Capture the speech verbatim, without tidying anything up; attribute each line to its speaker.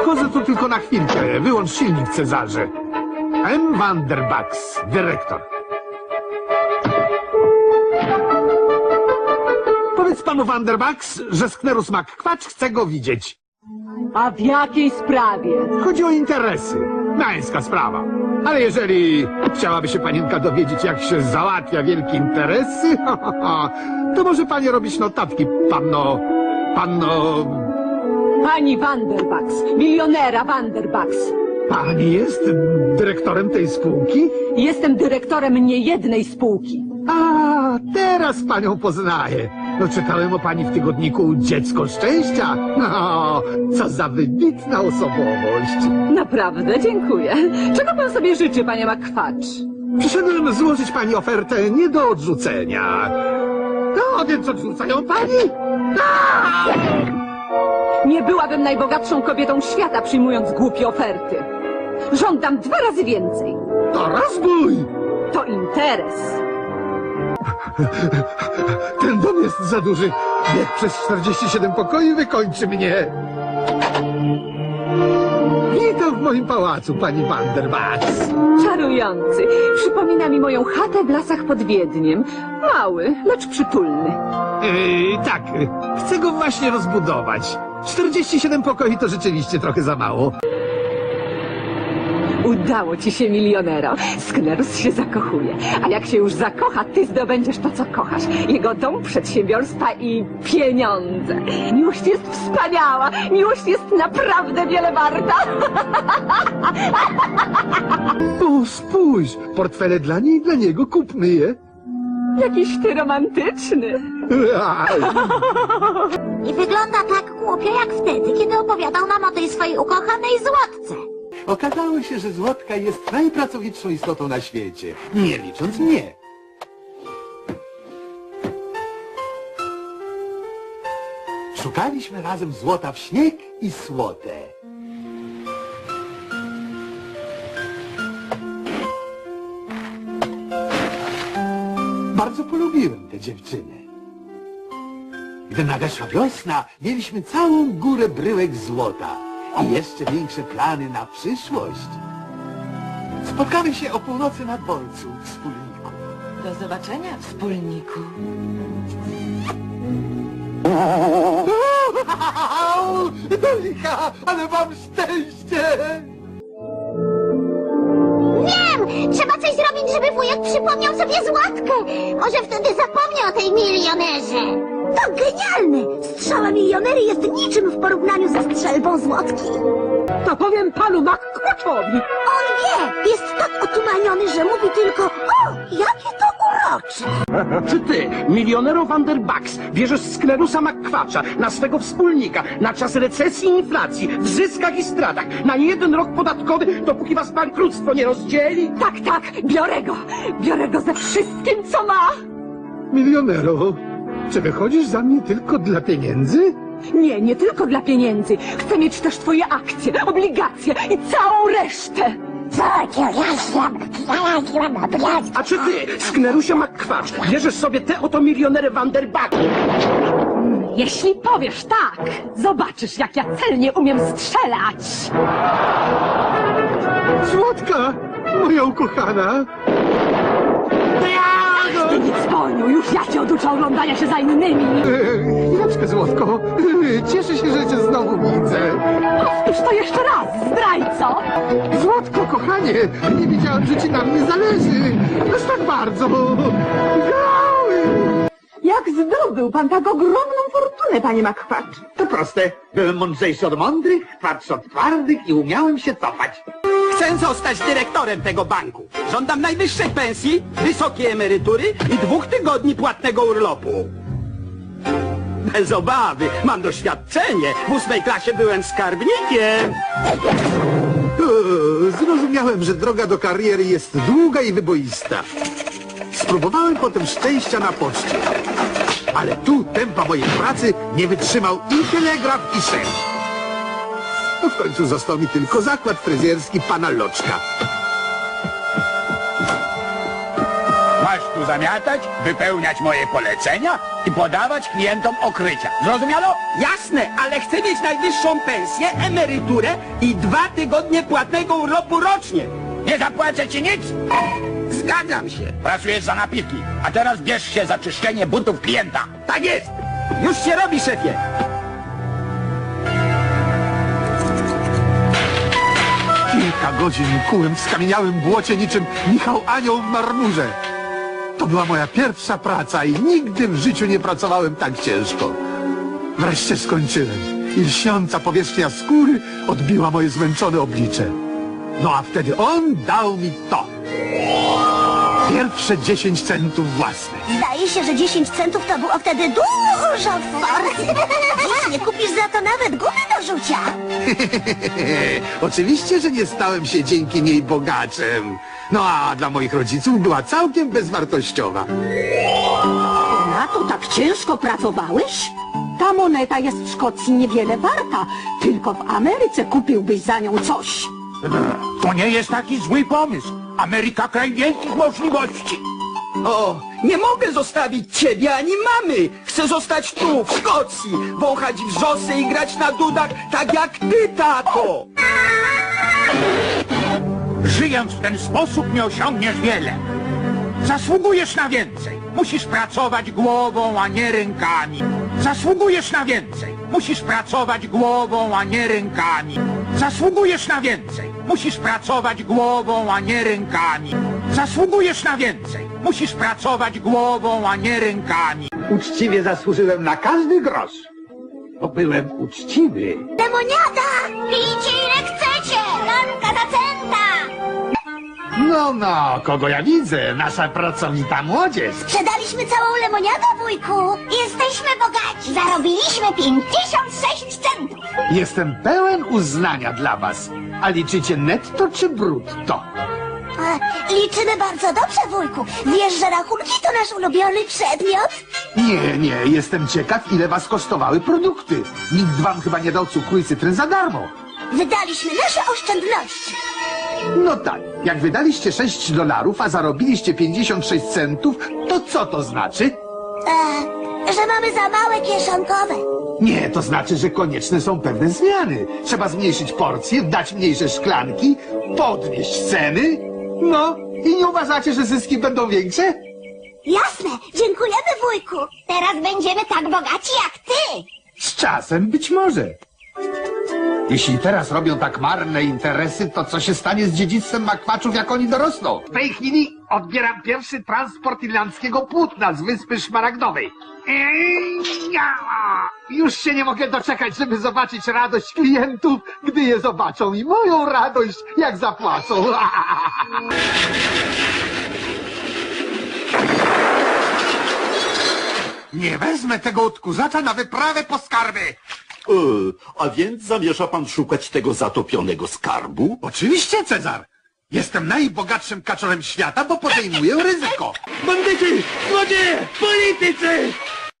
Speaker 1: Wchodzę tu tylko na chwilkę. Wyłącz silnik, Cezarze. M. Vanderbucks, dyrektor. Powiedz panu Vanderbucks, że Sknerus McQuatch chce go widzieć.
Speaker 2: A w jakiej sprawie?
Speaker 1: Chodzi o interesy. Męska sprawa. Ale jeżeli chciałaby się panienka dowiedzieć, jak się załatwia wielkie interesy, to może pani robić notatki, panno... panno...
Speaker 2: Pani Vanderbucks, milionera Vanderbucks.
Speaker 1: Pani jest dyrektorem tej spółki?
Speaker 2: Jestem dyrektorem niejednej spółki.
Speaker 1: A, teraz panią poznaję. No, czytałem o pani w tygodniku Dziecko Szczęścia. No, co za wybitna osobowość.
Speaker 2: Naprawdę, dziękuję. Czego pan sobie życzy, panie McQuatch?
Speaker 1: Przyszedłem złożyć pani ofertę nie do odrzucenia. No, więc odrzucają pani? A!
Speaker 2: Nie byłabym najbogatszą kobietą świata, przyjmując głupie oferty. Żądam dwa razy więcej.
Speaker 1: To rozbój!
Speaker 2: To interes.
Speaker 1: Ten dom jest za duży. Bieg przez czterdzieści siedem pokoi wykończy mnie. Witam w moim pałacu, pani Vanderbucks.
Speaker 2: Czarujący. Przypomina mi moją chatę w lasach pod Wiedniem. Mały, lecz przytulny.
Speaker 1: Yy, tak, chcę go właśnie rozbudować. czterdzieści siedem pokoi to rzeczywiście trochę za mało.
Speaker 2: Udało ci się, milionero. Sknerus się zakochuje. A jak się już zakocha, ty zdobędziesz to, co kochasz. Jego dom, przedsiębiorstwa i pieniądze. Miłość jest wspaniała. Miłość jest naprawdę wiele warta.
Speaker 1: O, spójrz, portfele dla niej i dla niego, kupmy je.
Speaker 2: Jakiś ty romantyczny.
Speaker 3: I wygląda tak głupio jak wtedy, kiedy opowiadał nam o tej swojej ukochanej Złotce.
Speaker 4: Okazało się, że Złotka jest najpracowitszą istotą na świecie, nie licząc mnie. Szukaliśmy razem złota w śnieg i słotę. Bardzo polubiłem tę dziewczynę. Gdy nadeszła wiosna, mieliśmy całą górę bryłek złota i jeszcze większe plany na przyszłość. Spotkamy się o północy na dworcu, wspólniku.
Speaker 2: Do zobaczenia, wspólniku.
Speaker 4: Do licha, ale mam szczęście!
Speaker 3: Wiem! Trzeba coś zrobić, żeby wujek przypomniał sobie Złotkę. Może wtedy zapomni o tej milionerze. To genialne! Strzała milionery jest niczym w porównaniu ze strzelbą Złotki.
Speaker 2: To powiem panu McQuatchowi.
Speaker 3: On wie! Jest tak otumaniony, że mówi tylko: o, jakie to urocze!
Speaker 5: Czy ty, milionero Vanderbucks, bierzesz Sknerusa McQuatcha na swego wspólnika na czas recesji i inflacji, w zyskach i stratach, na jeden rok podatkowy, dopóki was bankructwo nie rozdzieli?
Speaker 2: Tak, tak, biorę go. Biorę go ze wszystkim, co ma.
Speaker 1: Milionero, czy wychodzisz za mnie tylko dla pieniędzy?
Speaker 2: Nie, nie tylko dla pieniędzy. Chcę mieć też twoje akcje, obligacje i całą resztę.
Speaker 5: A czy ty, Sknerusie McQuatch, bierzesz sobie te oto milionery Vanderbucks?
Speaker 2: Jeśli powiesz tak, zobaczysz, jak ja celnie umiem strzelać.
Speaker 1: Złotka, moja ukochana.
Speaker 2: Ty nic wolno, już ja cię oduczę oglądania się za innymi.
Speaker 1: Eee, Chwileczkę, Złotko. Eee, Cieszę się, że cię znowu widzę.
Speaker 2: Powtórz to jeszcze raz, zdrajco.
Speaker 1: Złotko, kochanie, nie wiedziałem, że ci na mnie zależy. Aż tak bardzo.
Speaker 2: Jak zdobył pan tak ogromną fortunę, panie McQuatch?
Speaker 4: To proste. Byłem mądrzejszy od mądrych, twardszy od twardych i umiałem się cofać.
Speaker 6: Chcę zostać dyrektorem tego banku. Żądam najwyższej pensji, wysokiej emerytury i dwóch tygodni płatnego urlopu. Bez obawy, mam doświadczenie. W ósmej klasie byłem skarbnikiem.
Speaker 4: Eee, Zrozumiałem, że droga do kariery jest długa i wyboista. Spróbowałem potem szczęścia na poczcie. Ale tu tempa mojej pracy nie wytrzymał i telegraf, i szef. No w końcu został mi tylko zakład fryzjerski pana Loczka.
Speaker 7: Masz tu zamiatać, wypełniać moje polecenia i podawać klientom okrycia. Zrozumiano?
Speaker 6: Jasne, ale chcę mieć najwyższą pensję, emeryturę i dwa tygodnie płatnego urlopu rocznie.
Speaker 7: Nie zapłacę ci nic?
Speaker 6: Zgadzam się.
Speaker 7: Pracujesz za napiwki, a teraz bierz się za czyszczenie butów klienta.
Speaker 6: Tak jest. Już się robi, szefie.
Speaker 4: Kilka godzin kułem w skamieniałym błocie niczym Michał Anioł w marmurze. To była moja pierwsza praca i nigdy w życiu nie pracowałem tak ciężko. Wreszcie skończyłem i lśniąca powierzchnia skóry odbiła moje zmęczone oblicze. No a wtedy on dał mi to. Pierwsze dziesięć centów własnych.
Speaker 3: Zdaje się, że dziesięć centów to było wtedy dużo kwoty. Dziś nie kupisz za to nawet gumy do rzucia.
Speaker 4: Oczywiście, że nie stałem się dzięki niej bogaczem. No a dla moich rodziców była całkiem bezwartościowa.
Speaker 8: Na to tak ciężko pracowałeś? Ta moneta jest w Szkocji niewiele warta. Tylko w Ameryce kupiłbyś za nią coś.
Speaker 7: To nie jest taki zły pomysł. Ameryka kraj wielkich możliwości.
Speaker 6: O, nie mogę zostawić ciebie ani mamy. Chcę zostać tu, w Szkocji, wąchać wrzosy i grać na dudach, tak jak ty, tato.
Speaker 7: Żyjąc w ten sposób nie osiągniesz wiele. Zasługujesz na więcej. Musisz pracować głową, a nie rękami. Zasługujesz na więcej. Musisz pracować głową, a nie rękami. Zasługujesz na więcej. Musisz pracować głową, a nie rękami. Zasługujesz na więcej. Musisz pracować głową, a nie rękami.
Speaker 1: Uczciwie zasłużyłem na każdy grosz. Bo byłem uczciwy.
Speaker 3: Lemoniada! Pijcie ile chcecie! Manka za centa!
Speaker 1: No, no, kogo ja widzę? Nasza pracowita młodzież.
Speaker 3: Sprzedaliśmy całą lemoniadę, wujku! Jesteśmy bogaci! Zarobiliśmy pięćdziesiąt sześć centów!
Speaker 1: Jestem pełen uznania dla was. A liczycie netto czy brutto?
Speaker 3: E, liczymy bardzo dobrze, wujku. Wiesz, że rachunki to nasz ulubiony przedmiot?
Speaker 1: Nie, nie, jestem ciekaw, ile was kosztowały produkty. Nikt wam chyba nie dał cukru i cytryn za darmo.
Speaker 3: Wydaliśmy nasze oszczędności.
Speaker 1: No tak, jak wydaliście sześć dolarów, a zarobiliście pięćdziesiąt sześć centów, to co to znaczy?
Speaker 3: E, że mamy za małe kieszonkowe.
Speaker 1: Nie, to znaczy, że konieczne są pewne zmiany. Trzeba zmniejszyć porcje, dać mniejsze szklanki, podnieść ceny. No, i nie uważacie, że zyski będą większe?
Speaker 3: Jasne, dziękujemy, wujku. Teraz będziemy tak bogaci jak ty.
Speaker 1: Z czasem być może. Jeśli teraz robią tak marne interesy, to co się stanie z dziedzictwem makwaczów, jak oni dorosną? W tej chwili odbieram pierwszy transport irlandzkiego płótna z Wyspy Szmaragdowej. Ej, ja! Już się nie mogę doczekać, żeby zobaczyć radość klientów, gdy je zobaczą i moją radość, jak zapłacą.
Speaker 4: Nie wezmę tego odkurzacza na wyprawę po skarby.
Speaker 9: E, a więc zamierza pan szukać tego zatopionego skarbu?
Speaker 4: Oczywiście, Cezar. Jestem najbogatszym kaczorem świata, bo podejmuję ryzyko.
Speaker 6: Bandyci, złodzieje, politycy!